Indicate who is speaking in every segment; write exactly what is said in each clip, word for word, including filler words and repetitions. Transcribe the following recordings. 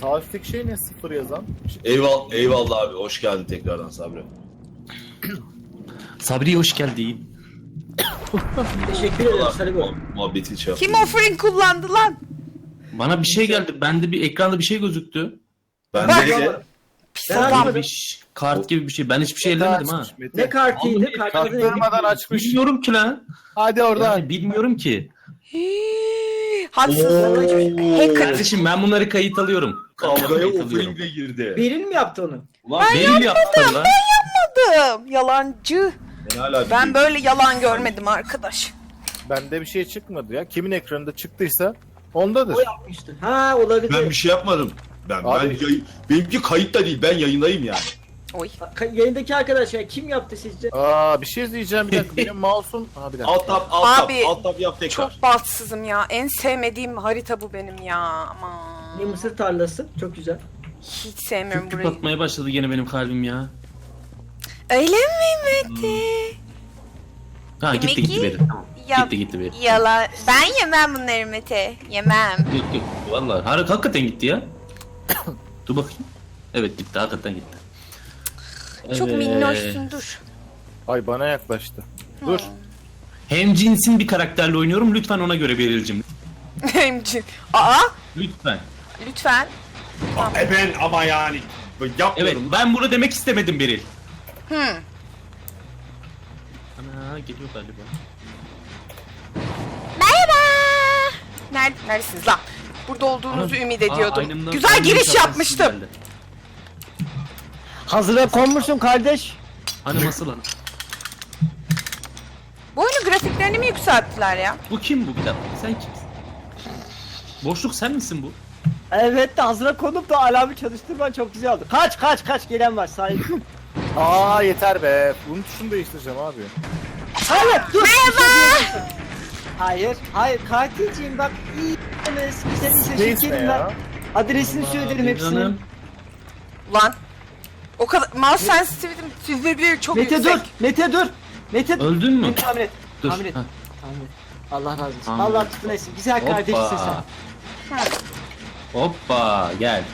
Speaker 1: Sağ üstteki şey ne, sıfır yazan?
Speaker 2: Eyvallah, eyvallah abi. Hoş geldin tekrardan Sabri.
Speaker 3: Sabri hoş geldin.
Speaker 4: Teşekkür ederim Sarı Bey.
Speaker 2: Muhabbeti şey
Speaker 5: Kim offering kullandı lan?
Speaker 3: Bana bir şey geldi. Bende bir ekranda bir şey gözüktü.
Speaker 2: Ben
Speaker 5: Bak.
Speaker 2: de
Speaker 5: Pis
Speaker 4: Ben
Speaker 5: adam.
Speaker 4: anlamadım.
Speaker 3: Bir ş- kart gibi bir şey. Ben hiçbir şey ellemedim ha.
Speaker 1: Açmış Mete.
Speaker 4: Ne kartıydı?
Speaker 3: Oğlum,
Speaker 4: Kartın adı neydi?
Speaker 1: Çaktırmadan açmış.
Speaker 3: Bilmiyorum ki lan.
Speaker 1: Hadi oradan.
Speaker 3: Yani bilmiyorum ki.
Speaker 5: Hii, Haksız. Hacker.
Speaker 3: Kardeşim ben bunları kayıt alıyorum.
Speaker 2: kavgaya
Speaker 3: Kayıt alıyorum.
Speaker 2: offeringle girdi.
Speaker 4: Beril mi yaptı onu?
Speaker 2: Ulan
Speaker 3: Beril yaptı lan.
Speaker 5: Yapmadım. Yalancı.
Speaker 2: ben hala
Speaker 5: Ben
Speaker 2: bir-
Speaker 5: böyle yalan görmedim arkadaş.
Speaker 1: Bende bir şey çıkmadı ya. Kimin ekranında çıktıysa ondadır.
Speaker 4: O yapmıştı. Ha olabilir.
Speaker 2: Ben bir şey yapmadım. Ben
Speaker 1: Abi-
Speaker 2: ben yayın, benimki kayıt da değil. Ben yayındayım yani.
Speaker 5: Oy.
Speaker 4: Ka- Yayındaki arkadaş ya kim yaptı sizce?
Speaker 1: Aa, bir şey diyeceğim, bir dakika. Benim mouse'um. Ha, bir dakika.
Speaker 2: Alt tab, alt tab,
Speaker 5: Abi,
Speaker 2: alt tab yap tekrar.
Speaker 5: Çok bahtsızım ya. En sevmediğim harita bu benim ya.
Speaker 4: Ne
Speaker 5: Aman.
Speaker 4: mısır tarlası. Çok güzel.
Speaker 5: Hiç sevmiyorum
Speaker 3: Küp küp
Speaker 5: burayı.
Speaker 3: atmaya başladı gene benim kalbim ya.
Speaker 5: Öyle mi Mete?
Speaker 3: Ha gitti
Speaker 5: Demek
Speaker 3: gitti
Speaker 5: ki-
Speaker 3: Beril. Tamam.
Speaker 5: Ya,
Speaker 3: Gitti gitti Beril.
Speaker 5: yalan. Ben yemem bunları Mete. Yemem.
Speaker 3: Yok yok. Vallahi har- hakikaten gitti ya. Dur bakayım. Evet gitti hakikaten gitti.
Speaker 5: Çok
Speaker 3: Evet.
Speaker 5: minnoşsun, dur.
Speaker 1: Ay, bana yaklaştı. Dur.
Speaker 3: Hem cinsin bir karakterle oynuyorum. Lütfen ona göre Beril'cim.
Speaker 5: Emcin. Aa,
Speaker 3: Lütfen.
Speaker 5: lütfen.
Speaker 2: E ben ama yani
Speaker 3: Evet
Speaker 2: yapmıyorum.
Speaker 3: ben bunu demek istemedim Beril.
Speaker 5: Hmm.
Speaker 3: Ana geliyor galiba.
Speaker 5: Merhaba. Nerede, neredesiniz lan? Burada olduğunuzu
Speaker 3: Ana-
Speaker 5: ümit
Speaker 3: Aa,
Speaker 5: ediyordum.
Speaker 3: aynımdan-
Speaker 5: Güzel
Speaker 3: aynımdan
Speaker 5: giriş
Speaker 3: şapkası
Speaker 5: yapmıştım.
Speaker 3: geldi.
Speaker 6: Hazıra konmuşsun kardeş.
Speaker 3: Hani nasıl lan?
Speaker 5: Bu oyunun grafiklerini mi yükselttiler ya?
Speaker 3: Bu kim bu bir dakika? Sen kimsin? Boşluk sen misin bu?
Speaker 6: Evet de hazıra konup da alarmı çalıştırman çok güzel oldu. Kaç kaç kaç gelen var sahip.
Speaker 1: Aa, yeter be. Bunun tuşunu değiştireceğim abi.
Speaker 6: Hayır dur.
Speaker 5: Merhaba.
Speaker 6: Hayır hayır katilciğim bak iyi demez. Güzel
Speaker 1: Space
Speaker 6: işe
Speaker 1: ne
Speaker 6: şekerim
Speaker 1: ya?
Speaker 6: ben. Adresini söylerim hepsinin.
Speaker 3: Canım.
Speaker 5: Ulan. O kadar mouse sensitivity'm çok
Speaker 6: Mete
Speaker 5: yüksek.
Speaker 6: dur. Mete dur. Mete dur.
Speaker 3: Öldün mü?
Speaker 6: Mete tahmin et.
Speaker 3: Dur.
Speaker 6: Tahmin et.
Speaker 3: Ha.
Speaker 6: Tahmin et. Allah razı olsun.
Speaker 3: Tahmin
Speaker 6: Allah
Speaker 3: et.
Speaker 6: tutun etsin. Güzel kardeşsin sen.
Speaker 3: Hoppa.
Speaker 5: Ha.
Speaker 3: Hoppa gel.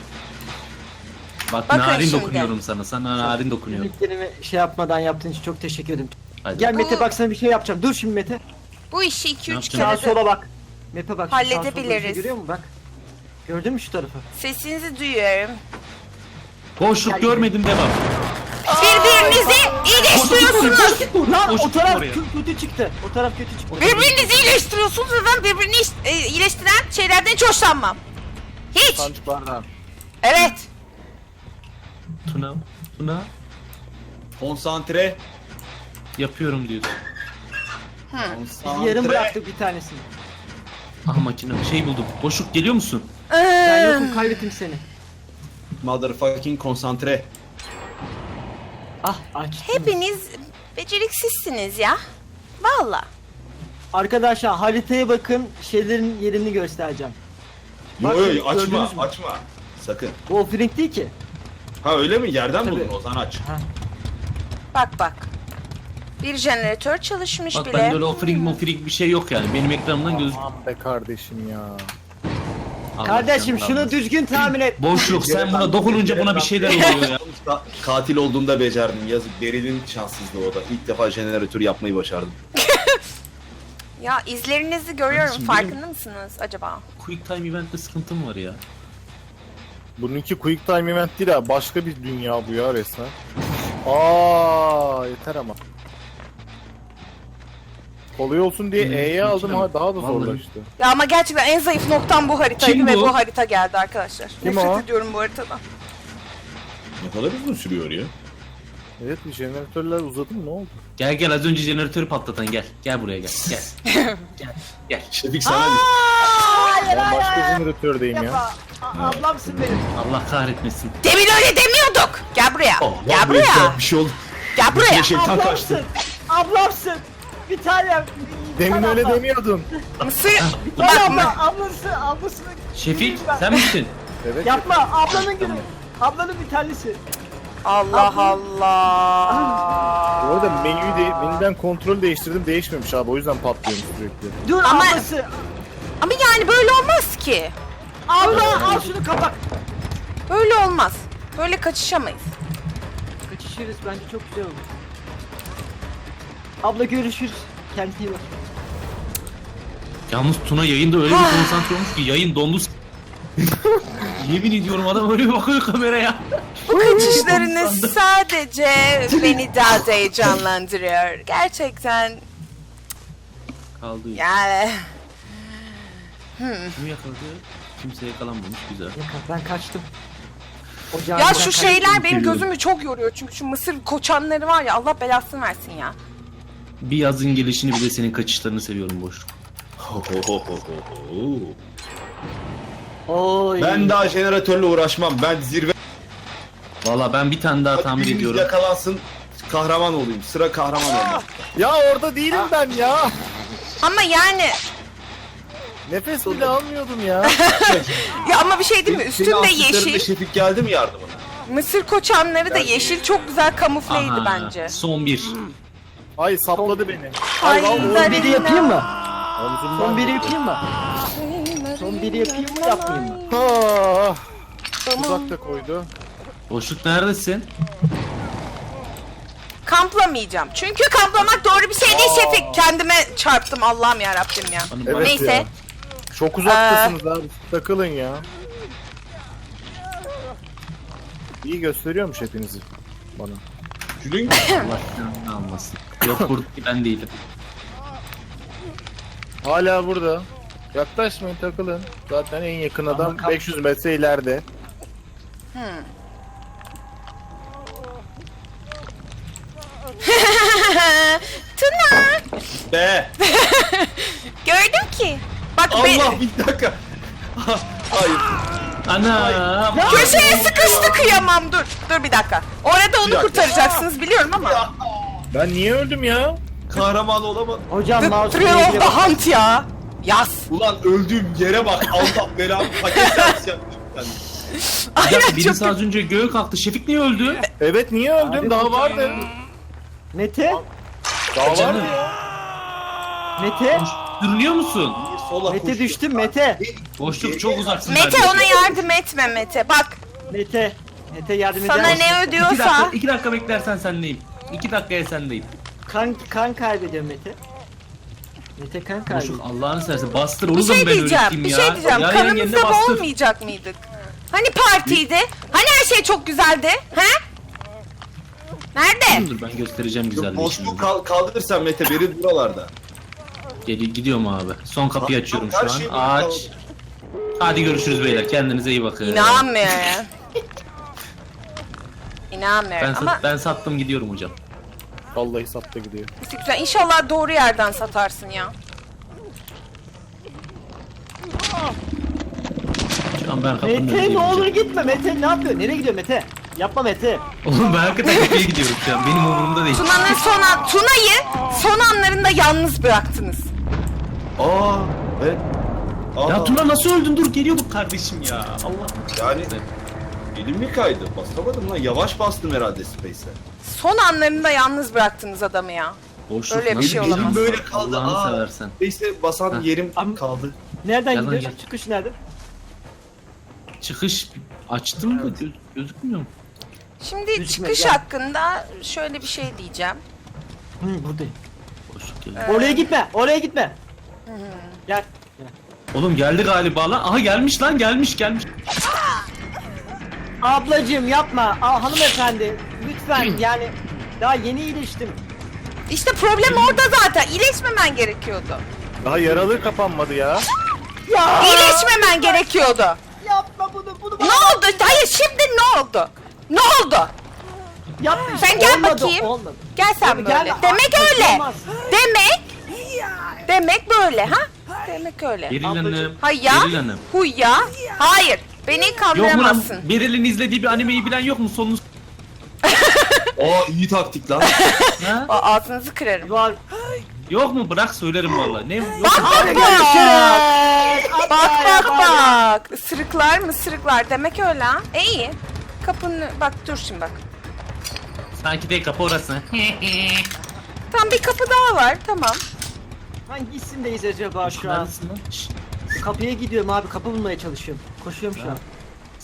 Speaker 3: Bak
Speaker 5: Bakın
Speaker 3: narin
Speaker 5: şimdi.
Speaker 3: dokunuyorum sana. Sana narin dokunuyorum.
Speaker 6: Linklerimi şey yapmadan yaptığın için çok teşekkür ederim.
Speaker 3: Hadi.
Speaker 6: Gel Mete
Speaker 5: Bu-
Speaker 6: bak sana bir şey yapacağım. Dur şimdi Mete.
Speaker 5: Bu işi iki
Speaker 3: Ne
Speaker 5: üç
Speaker 3: yapacağım?
Speaker 6: Sağa
Speaker 5: kere de
Speaker 6: sola bak. Mete bak. şu sağa sola
Speaker 5: Halledebiliriz.
Speaker 6: bir şey görüyor musun bak. Gördün mü şu tarafı?
Speaker 5: sesinizi duyuyorum.
Speaker 3: Boşluk görmedim devam.
Speaker 5: Birbirinizi iyileştiriyorsunuz.
Speaker 6: Lan
Speaker 3: Boşluk
Speaker 6: o taraf
Speaker 3: oraya.
Speaker 6: kö- kötü çıktı. O taraf kötü çıktı.
Speaker 5: Birbirinizi iyileştiriyorsunuz ve ben birbirini iş- e, iyileştiren şeylerden hiç hoşlanmam. Hiç.
Speaker 1: Sancıklardan.
Speaker 5: Evet.
Speaker 3: Tuna. Tuna.
Speaker 2: Konsantre.
Speaker 3: Yapıyorum diyorsun.
Speaker 6: Biz yarım bıraktık bir tanesini.
Speaker 3: Aha makine şey buldum. Boşluk geliyor musun?
Speaker 6: Ben
Speaker 5: Ee,
Speaker 6: yokum kaybettim seni.
Speaker 2: Motherfucking konsantre.
Speaker 6: Ah aç.
Speaker 5: Hepiniz beceriksizsiniz ya. Valla.
Speaker 6: Arkadaşlar haritaya bakın şeylerin yerini göstereceğim.
Speaker 2: Yo
Speaker 6: Bak,
Speaker 2: yo
Speaker 6: gördünüz
Speaker 2: açma
Speaker 6: mü?
Speaker 2: açma. Sakın.
Speaker 6: Bu offering değil ki.
Speaker 2: Ha öyle mi? Yerden
Speaker 6: Tabii.
Speaker 2: buldun o zaman aç.
Speaker 5: Bak bak. Bir jeneratör çalışmış
Speaker 3: Bak
Speaker 5: bile.
Speaker 3: bende öyle offering mofring bir şey yok yani. Benim ekranımdan göz...
Speaker 1: Aman be kardeşim ya.
Speaker 3: Allah
Speaker 6: Kardeşim
Speaker 3: canını
Speaker 6: şunu
Speaker 3: almasın.
Speaker 6: düzgün tahmin et.
Speaker 3: Boşluk sen buna dokununca buna bir şeyler oluyor ya.
Speaker 2: Sonuçta katil olduğumda becerdim. Yazık Beril'in şanssızlığı o da. İlk defa jeneratör yapmayı başardım.
Speaker 5: Ya izlerinizi görüyorum.
Speaker 3: Kardeşim,
Speaker 5: Farkında mısınız acaba?
Speaker 3: Quick time event'te sıkıntım var ya.
Speaker 1: Bununki quick time event değil ha. Başka bir dünya bu ya resmen. Aa, yeter ama. Kolay olsun diye
Speaker 3: Hmm,
Speaker 1: E'ye aldım
Speaker 3: mümkün
Speaker 1: ha,
Speaker 3: ama.
Speaker 1: daha da
Speaker 3: Vallahi.
Speaker 1: zorlaştı.
Speaker 5: Ya ama gerçekten en zayıf noktam bu haritaydı
Speaker 3: Kim
Speaker 5: ve
Speaker 3: bu?
Speaker 5: bu harita geldi arkadaşlar.
Speaker 1: Kim
Speaker 5: Nefret
Speaker 1: o?
Speaker 5: ediyorum bu haritadan.
Speaker 2: Ne kadar uzun sürüyor ya?
Speaker 1: Evet, bir jeneratörler uzadı mı, ne oldu?
Speaker 3: Gel gel az önce jeneratörü patlatan gel. Gel buraya gel. Gel. gel. Gel.
Speaker 2: Şefik sana bir.
Speaker 1: Ben başka jeneratördeyim ya.
Speaker 6: Yapma. A- ablamsın benim.
Speaker 3: Allah kahretmesin.
Speaker 5: Demin öyle demiyorduk. Gel buraya.
Speaker 2: Oh,
Speaker 5: Gel
Speaker 2: vallahi
Speaker 5: buraya.
Speaker 2: Bir şey oldu.
Speaker 5: Gel buraya.
Speaker 2: Bir şeytan kaçtı.
Speaker 6: Ablamsın. Ablamsın. Bir tane. bir
Speaker 1: Demin
Speaker 6: tane
Speaker 1: öyle
Speaker 6: abla.
Speaker 1: demiyordun.
Speaker 5: Mısır.
Speaker 6: Bir tane
Speaker 5: Bak,
Speaker 6: abla. Ablası. Ablasını.
Speaker 3: Şefik sen misin?
Speaker 1: Evet.
Speaker 6: Yapma. Ablanın günü. Ablanın bir tanesi.
Speaker 5: Allah
Speaker 1: Bu
Speaker 5: Allah.
Speaker 1: arada menüyü de, menüden kontrol değiştirdim, değişmemiş abi, o yüzden patlıyorum sürekli.
Speaker 6: Dur
Speaker 5: Ama-
Speaker 6: ablası.
Speaker 5: Ama yani böyle olmaz ki.
Speaker 6: Abla al şunu kapak.
Speaker 5: Böyle olmaz. Böyle kaçışamayız.
Speaker 6: Kaçışırız bence çok güzel olur. Abla görüşürüz. Kendine iyi bak.
Speaker 3: Yalnız Tuna yayında öyle bir konsantre olmuş ki yayın dondu. s- Yemin ediyorum adam öyle bir bakıyor kameraya.
Speaker 5: Bu kaçışlarınız sadece beni daha da heyecanlandırıyor. Gerçekten
Speaker 3: Kaldı.
Speaker 5: yani.
Speaker 3: Kim yakaladı? Kimse yakalanmamış, güzel.
Speaker 6: Yakar, ben kaçtım. Ocağın
Speaker 5: Ya
Speaker 6: ben
Speaker 5: şu
Speaker 6: kaçtım.
Speaker 5: şeyler benim
Speaker 3: Seviyorum.
Speaker 5: gözümü çok yoruyor. Çünkü şu mısır koçanları var ya, Allah belasını versin ya.
Speaker 3: Bir yazın gelişini bir de senin kaçışlarını seviyorum boşluk.
Speaker 6: Oy.
Speaker 2: Ben daha jeneratörle uğraşmam. Ben zirve
Speaker 3: Valla ben bir tane daha tahmin
Speaker 2: birimiz
Speaker 3: ediyorum.
Speaker 2: yakalansın. Kahraman olayım. Sıra kahraman olmak.
Speaker 1: Ya orada değilim ben ya.
Speaker 5: Ama yani
Speaker 1: Nefes bile almıyordum ya.
Speaker 5: ya ama bir şey değil mi?
Speaker 2: Senin
Speaker 5: Üstünde
Speaker 2: asistlerinde
Speaker 5: yeşil.
Speaker 2: Şefik geldi mi yardımına?
Speaker 5: Mısır koçanları da yeşil. Çok güzel kamufleydi
Speaker 3: Aha,
Speaker 5: bence.
Speaker 3: Son bir.
Speaker 1: Ay sapladı beni.
Speaker 5: Ay,
Speaker 6: Son biri yapayım mı?
Speaker 1: Omzumdan
Speaker 6: Son biri
Speaker 1: vurdu.
Speaker 6: yapayım mı? Son biri yapayım mı yapmayayım mı?
Speaker 1: Ah,
Speaker 5: Tamam.
Speaker 1: uzak da koydu.
Speaker 3: Boşluk neredesin?
Speaker 5: Kamplamayacağım. Çünkü kamplamak doğru bir şey değil Şefik. Kendime çarptım Allah'ım ya Rabbim ya.
Speaker 3: Bana-
Speaker 1: Evet
Speaker 3: bana-
Speaker 5: Neyse.
Speaker 1: ya. Çok uzaktasınız abi. Takılın ya. İyi gösteriyormuş hepinizi bana.
Speaker 2: Gülün.
Speaker 3: Allah canını almasın. Yok buradaki ben değilim.
Speaker 1: Hala burada. Yaklaşmayın, takılın. Zaten en yakın adam
Speaker 6: kap-
Speaker 1: beş yüz metre ileride.
Speaker 5: Tuna.
Speaker 2: Be.
Speaker 5: Gördüm ki. Bak be,
Speaker 2: Allah bir dakika. Hayır.
Speaker 3: Ana!
Speaker 5: köşeye sıkıştı, kıyamam. Dur. Dur bir dakika. Orada
Speaker 2: Bir
Speaker 5: onu
Speaker 2: dakika.
Speaker 5: kurtaracaksınız biliyorum ama.
Speaker 1: Ben niye öldüm ya?
Speaker 2: Kahraman olamadım.
Speaker 6: Hocam
Speaker 5: The
Speaker 6: mouse
Speaker 5: Thrill of the
Speaker 6: bak.
Speaker 5: Hunt ya. Yaz.
Speaker 2: Ulan öldüğüm yere bak. Allah belamı paket servis yaptım ben.
Speaker 3: Bir
Speaker 5: Aynen
Speaker 3: dakika birisi
Speaker 5: çok
Speaker 3: az önce göğe kalktı. Şefik niye öldü?
Speaker 1: Evet niye öldüm?
Speaker 6: Abi,
Speaker 1: Daha vardı.
Speaker 6: Mete?
Speaker 1: Daha vardı
Speaker 3: Canım.
Speaker 1: ya.
Speaker 6: Mete?
Speaker 3: Dürünüyor musun?
Speaker 2: Sola
Speaker 6: Mete
Speaker 2: koştum.
Speaker 6: düştüm Mete.
Speaker 3: Boşluk çok uzaksın.
Speaker 5: Mete
Speaker 3: kardeşim.
Speaker 5: ona yardım etme Mete. Bak
Speaker 6: Mete. Mete yardım eder
Speaker 5: sana
Speaker 6: misin?
Speaker 5: ne
Speaker 3: İki dakika,
Speaker 5: ödüyorsa.
Speaker 3: iki dakika beklersen sendeyim. İki dakikaya sendeyim.
Speaker 6: Kan, kan kaybediyor Mete. Mete kan kaybediyor.
Speaker 3: Boşluk Allah'ını seversen bastır onu
Speaker 5: Bir
Speaker 3: da
Speaker 5: şey
Speaker 3: mı ben
Speaker 5: diyeceğim.
Speaker 3: öğreteyim
Speaker 5: Bir
Speaker 3: ya?
Speaker 5: şey diyeceğim.
Speaker 3: Yarın yeniden
Speaker 5: Kanımızda
Speaker 3: bastır.
Speaker 5: boğulmayacak mıydık? Hani partiydi? Hani her şey çok güzeldi? He? Nerede?
Speaker 3: Dur ben göstereceğim güzelliği
Speaker 2: Boşluk
Speaker 3: şimdi.
Speaker 2: kal kaldırırsan Mete beri buralarda.
Speaker 3: Geliyor gidiyorum abi. Son kapıyı açıyorum
Speaker 2: Her
Speaker 3: şu
Speaker 2: şey
Speaker 3: an.
Speaker 2: burada
Speaker 3: Aç.
Speaker 2: kaldı.
Speaker 3: Hadi görüşürüz beyler. Kendinize iyi bakın.
Speaker 5: İnanmıyorum.
Speaker 3: Ben,
Speaker 5: İnanmıyorum
Speaker 3: sat-
Speaker 5: ama
Speaker 3: ben sattım gidiyorum hocam.
Speaker 1: Vallahi sattı gidiyor.
Speaker 5: güzel. İnşallah doğru yerden satarsın ya.
Speaker 3: Şu an ben kapının
Speaker 6: Mete
Speaker 3: önündeyim
Speaker 6: ne olur
Speaker 3: hocam.
Speaker 6: gitme Mete ne yapıyor? Nereye gidiyor Mete? Yapma Mete.
Speaker 3: Oğlum ben hakikaten kapıya gidiyorum şu an. Benim umurumda değil.
Speaker 5: Tuna'nın son an, Tuna'yı son anlarında yalnız bıraktınız.
Speaker 2: Aa. Evet. Aa.
Speaker 3: Ya Tuna nasıl öldün? Dur geliyor bu kardeşim ya. Allah.
Speaker 2: Yani elim mi kaydı? Basamadım lan. Yavaş bastım herhalde Space'e.
Speaker 5: Son anlarında yalnız bıraktınız adamı ya.
Speaker 3: Boşluk
Speaker 5: Öyle bir
Speaker 3: nasıl
Speaker 5: şey
Speaker 3: elim
Speaker 5: olamaz.
Speaker 2: Böyle kaldı.
Speaker 3: Allah'ını
Speaker 2: Aa.
Speaker 3: seversen.
Speaker 2: Space'e basan
Speaker 3: Ha.
Speaker 2: yerim
Speaker 6: Am-
Speaker 2: kaldı.
Speaker 6: Nereden
Speaker 3: Yalan
Speaker 6: gidiyor?
Speaker 3: gel.
Speaker 6: Çıkış nerede?
Speaker 3: Çıkış açtım mı? Göz, gözükmüyor mu?
Speaker 5: Şimdi
Speaker 6: Gözükmez,
Speaker 5: çıkış
Speaker 6: gel.
Speaker 5: hakkında şöyle bir şey diyeceğim.
Speaker 6: Hı buradayım.
Speaker 3: Boşluk geliyor.
Speaker 6: Oraya gitme. Oraya gitme. Gel.
Speaker 3: Oğlum geldi galiba lan. Aha gelmiş lan gelmiş gelmiş.
Speaker 6: Ablacığım yapma. Aa, hanımefendi lütfen yani daha yeni iyileştim.
Speaker 5: İşte problem orada zaten. İyileşmemen gerekiyordu.
Speaker 1: Daha yaralı kapanmadı ya.
Speaker 6: Ya
Speaker 5: İyileşmemen gerekiyordu.
Speaker 6: yapma bunu bunu.
Speaker 5: Ne oldu? Hayır şimdi ne oldu? Ne oldu?
Speaker 6: Yapma.
Speaker 5: Sen gel
Speaker 6: Olmadı,
Speaker 5: bakayım.
Speaker 6: Olmadı.
Speaker 5: Gel sen
Speaker 6: Gel,
Speaker 5: böyle.
Speaker 6: gel.
Speaker 5: Demek
Speaker 6: Aa,
Speaker 5: öyle.
Speaker 6: olmaz.
Speaker 5: Demek demek böyle ha? Demek öyle.
Speaker 3: Beril Hanım.
Speaker 5: Hayır ya.
Speaker 3: Beril Hanım.
Speaker 5: Huy ya. Hayır. Beni
Speaker 3: Yok mu lan?
Speaker 5: kandıramazsın.
Speaker 3: Beril'in izlediği bir animeyi bilen yok mu? Sonunu s-
Speaker 2: Aa iyi taktik lan.
Speaker 3: ha?
Speaker 5: Aa, ağzınızı kırarım.
Speaker 6: Var.
Speaker 3: Yok mu? Bırak söylerim vallahi. Ne? Yok.
Speaker 5: Bak bak bak.
Speaker 6: Görüşürüz.
Speaker 5: Bak
Speaker 6: Haftaya
Speaker 5: bak
Speaker 6: bay.
Speaker 5: bak. Isırıklar mı ısırıklar. Demek öyle ha. E, iyi. Kapını bak dur şimdi bak.
Speaker 3: Sanki de kapı orası.
Speaker 5: Tam bir kapı daha var. Tamam.
Speaker 6: Hangi isimdeyiz acaba şu an?
Speaker 3: Neredesin lan? Şşş,
Speaker 6: Kapıya gidiyorum abi kapı bulmaya çalışıyorum. Koşuyorum şu an.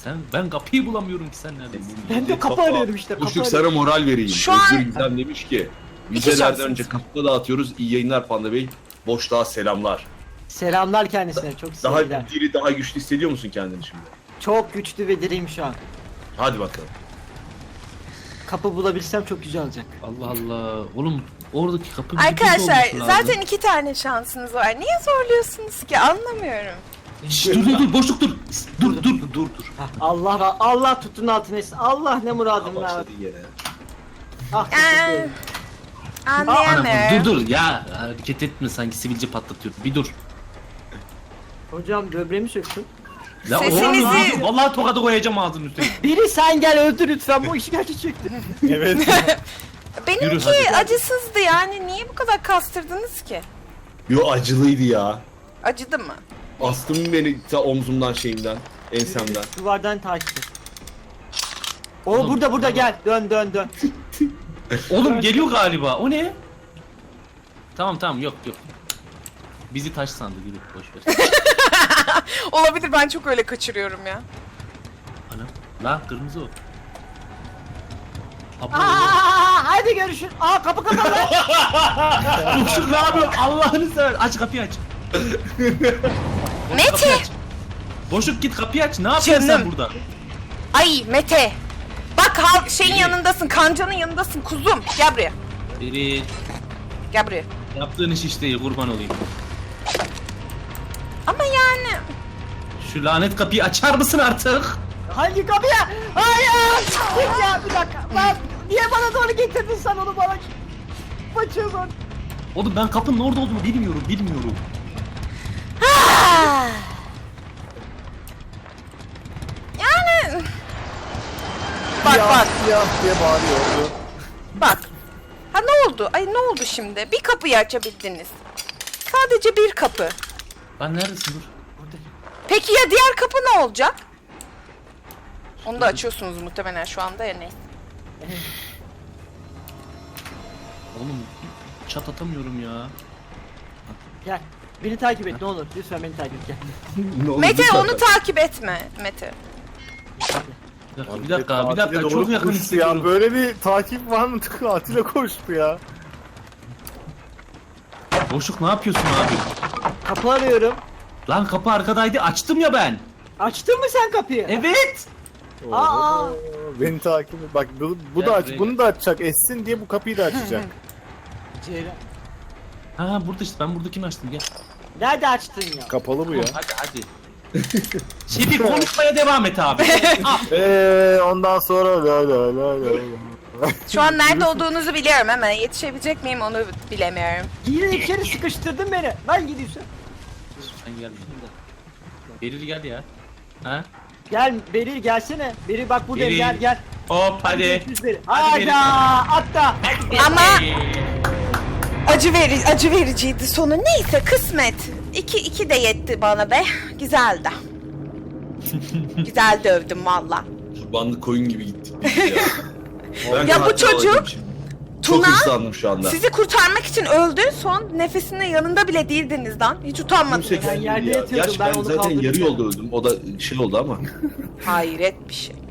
Speaker 3: Sen ben kapıyı bulamıyorum ki sen neredesin?
Speaker 6: Ben de kapı arıyorum işte. Kapı
Speaker 2: Boşluk
Speaker 6: arıyorum.
Speaker 2: sana moral vereyim.
Speaker 5: Şu an-
Speaker 2: Özgür Gizem demiş ki
Speaker 5: İki
Speaker 2: vizelerden
Speaker 5: şansınız.
Speaker 2: önce kapıda dağıtıyoruz. İyi yayınlar Panda Bey. Boşluğa selamlar.
Speaker 6: Selamlar kendisine. Çok
Speaker 2: Daha
Speaker 6: sevgiler.
Speaker 2: diri, daha güçlü hissediyor musun kendini şimdi?
Speaker 6: Çok güçlü ve diriyim şu an.
Speaker 2: Hadi bakalım.
Speaker 6: Kapı bulabilsem çok güzel olacak.
Speaker 3: Allah Allah. Oğlum oradaki kapı
Speaker 5: Arkadaşlar
Speaker 3: olması lazım.
Speaker 5: zaten iki tane şansınız var. Niye zorluyorsunuz ki? Anlamıyorum.
Speaker 3: Şşş, dur dur dur boşluk dur. Dur dur dur dur.
Speaker 6: Hah, Allah ra- Allah tutun altına etsin. Allah ne muradın var.
Speaker 2: Başladı yine.
Speaker 6: Ah
Speaker 5: Ee,
Speaker 6: teşekkür ederim.
Speaker 3: Anam,
Speaker 5: anlayamıyorum.
Speaker 3: dur dur ya hareket etme sanki sivilce patlatıyor. Bir dur.
Speaker 6: Hocam böbreğimi söktün.
Speaker 3: Ya
Speaker 5: Sesinizi-
Speaker 3: oğlum, abi, vallahi tokadı koyacağım ağzının üstüne.
Speaker 6: Biri sen gel öldür lütfen bu işi gerçek çekti.
Speaker 1: Evet.
Speaker 3: Yürü
Speaker 5: Benimki
Speaker 3: hadi.
Speaker 5: acısızdı yani. Niye bu kadar kastırdınız ki?
Speaker 2: Yo acılıydı ya.
Speaker 5: Acıdı mı?
Speaker 2: Astım beni ta omzumdan şeyimden, ensemden.
Speaker 6: Duvardan takip et. O
Speaker 3: Oğlum,
Speaker 6: burada burada
Speaker 3: oğlum.
Speaker 6: gel. Dön dön dön.
Speaker 3: Oğlum geliyor galiba. O ne? Tamam tamam yok yok. Bizi taş sandı yürü boş ver.
Speaker 5: Olabilir, ben çok öyle kaçırıyorum ya.
Speaker 3: Anam. Lan kırmızı o. Abla.
Speaker 6: Aa, hadi görüşürüz. Aa kapı kapalı.
Speaker 3: Boşluk ne yapıyor? Allah'ını sever. Aç kapıyı aç.
Speaker 5: Mete!
Speaker 3: Kapıyı aç. Boşluk git kapıyı aç. Ne yapıyorsun sen
Speaker 5: Canım.
Speaker 3: burada?
Speaker 5: Ay Mete! Bak hal şeyin yanındasın, kancanın yanındasın kuzum. Gel buraya.
Speaker 3: Biri
Speaker 5: Gel buraya.
Speaker 3: yaptığın iş iş değil kurban olayım.
Speaker 5: Ama yani...
Speaker 3: Şu lanet kapıyı açar mısın artık?
Speaker 6: Hangi kapıya? Hayır. Git ya bir dakika. Lan niye bana doğru getirdin sen onu bana? Açıyorsun.
Speaker 3: Oğlum ben kapının orada olduğunu bilmiyorum, bilmiyorum.
Speaker 5: Ah! Yani... Bak
Speaker 1: Ya,
Speaker 5: bak
Speaker 1: ya diye bağırıyordu.
Speaker 5: bak. Ha ne oldu? Ay ne oldu şimdi? Bir kapıyı açabildiniz. Sadece bir kapı.
Speaker 3: Lan neredesin dur?
Speaker 5: Peki ya diğer kapı ne olacak? Onu da açıyorsunuz muhtemelen şu anda ya ne?
Speaker 3: Oğlum çat atamıyorum ya.
Speaker 6: Gel. Beni takip et ne olur. Lütfen beni takip et gel.
Speaker 2: Ne oldu
Speaker 5: Mete
Speaker 2: zaten?
Speaker 5: onu takip etme Mete.
Speaker 3: Bir dakika,
Speaker 1: Abi,
Speaker 3: bir dakika, bir dakika.
Speaker 1: katile
Speaker 3: Çok
Speaker 1: doğru
Speaker 3: yakın
Speaker 1: koştu
Speaker 3: hissediyorum.
Speaker 1: ya. Böyle bir takip var mı? Katile koştu ya.
Speaker 3: Boşluk ne yapıyorsun abi?
Speaker 6: Kapı arıyorum.
Speaker 3: Lan kapı arkadaydı, açtım ya ben.
Speaker 6: Açtın mı sen kapıyı?
Speaker 3: Evet.
Speaker 6: Aa.
Speaker 1: Oo, beni takip et. Bak bu, bu
Speaker 3: Gel
Speaker 1: da aç,
Speaker 3: buraya
Speaker 1: bunu da açacak. Essin diye bu kapıyı da açacak.
Speaker 6: Ceylan.
Speaker 3: Ha burada işte ben buradakini açtım gel.
Speaker 6: Nerede açtın ya?
Speaker 1: Kapalı bu ya.
Speaker 3: Hadi hadi. Şimdi konuşmaya devam et abi. Ah,
Speaker 1: Eee ondan sonra la la la la.
Speaker 5: Şu an nerede olduğunuzu biliyorum ama yetişebilecek miyim onu bilemiyorum.
Speaker 6: Yine içeri sıkıştırdın beni. Ben gidiyorsun.
Speaker 3: Sen gel. Beril gel ya. Ha?
Speaker 6: Gel Beril gelsene. Beril bak buradayım
Speaker 3: Beril.
Speaker 6: gel gel.
Speaker 3: Hop hadi.
Speaker 6: Görüşürüz Beril.
Speaker 3: Hadi Beril.
Speaker 6: Hadi atla.
Speaker 5: Ama acı veri acı vericiydi sonu. Neyse kısmet. İki, iki de yetti bana be. Güzeldi. Güzel dövdüm valla.
Speaker 2: Kurbanlı koyun gibi gittik biz ya. Ben
Speaker 5: Ya bu
Speaker 2: katil
Speaker 5: çocuk-
Speaker 2: olduğum için Çok
Speaker 5: Tuna
Speaker 2: hırslandım şu anda.
Speaker 5: sizi kurtarmak için öldü. Son nefesinde yanında bile değildiniz lan. Hiç utanmadınız.
Speaker 2: Kimse
Speaker 6: Ben
Speaker 2: kendini
Speaker 6: yerde
Speaker 2: ya.
Speaker 6: yatıyordum,
Speaker 2: Gerçi
Speaker 6: ben
Speaker 2: ben
Speaker 6: onu
Speaker 2: zaten
Speaker 6: kaldırdım
Speaker 2: yarı
Speaker 6: ya.
Speaker 2: yolda öldüm. O da şey oldu ama.
Speaker 5: Hayret bir şey.